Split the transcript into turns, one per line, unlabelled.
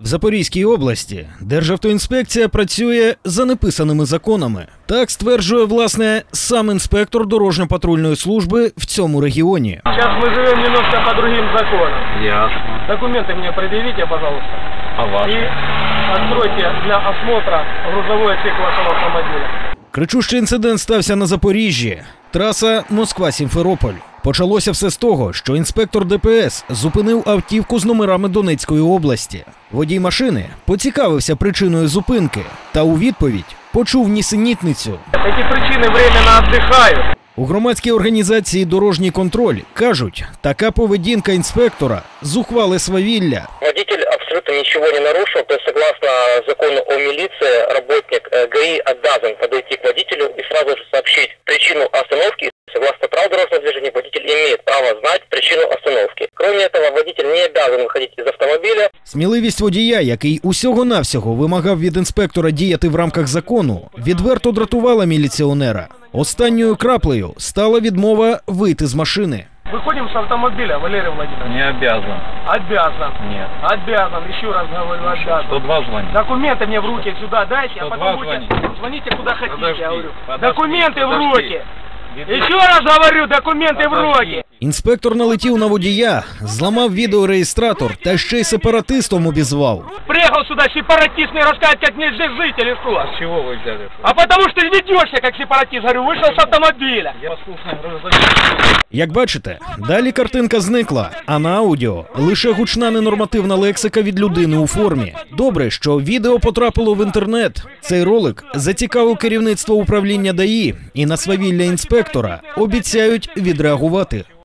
В Запорізькій області Державтоінспекція працює за неписаними законами. Так стверджує, власне, сам інспектор дорожньо-патрульної служби в цьому регіоні.
Зараз ми живемо немножко по другим законам.
Ясно.
Документи мені пред'явіть, пожалуйста.
А ваши?
І відкройте для осмотру грузовий отсек вашого автомобіля.
Кричущий інцидент стався на Запоріжжі. Траса Москва-Сімферополь. Почалося все з того, що інспектор ДПС зупинив автівку з номерами Донецької області. Водій машини поцікавився причиною зупинки та у відповідь почув нісенітницю.
Ці причини временно віддихають.
У громадській організації «Дорожній контроль» кажуть, така поведінка інспектора зухвале свавілля.
Водитель абсолютно ничего не нарушил, то есть согласно закону о милиции, работник ГАИ обязан подойти к водителю и сразу же сообщить причину остановки. Согласно правилам дорожного движения, водитель имеет право знать причину остановки. Кроме этого, водитель не обязан выходить из автомобиля.
Сміливість водія, який усього-навсього вимагав від інспектора діяти в рамках закону, відверто дратувала міліціонера. Останньою краплею стала відмова вийти з машини.
Выходим с автомобиля, Валерий Владимирович.
Не обязан.
Обязан.
Нет.
Обязан, еще раз говорю, обязан.
102 звонить.
Документы мне в руки сюда дайте, а
102
потом будете
звонить.
звоните куда хотите,
Подожди,
я говорю.
подожди,
Документы в
подожди.
руки. Еще раз говорю, документы в руки.
Інспектор налетів на водія, зламав відеореєстратор та ще й сепаратистом обізвав.
Приехал сюда сепаратист, мне рассказать, как мне здесь жить или что?
С чего вы взяли?
А потому что ведешься как сепаратист, говорю, вышел с автомобиля.
Я послушный гражданин.
Як бачите, далі картинка зникла, а на аудіо лише гучна ненормативна лексика від людини у формі. Добре, що відео потрапило в інтернет. Цей ролик зацікавив керівництво управління ДАІ і на свавілля інспектора обіцяють відреагувати.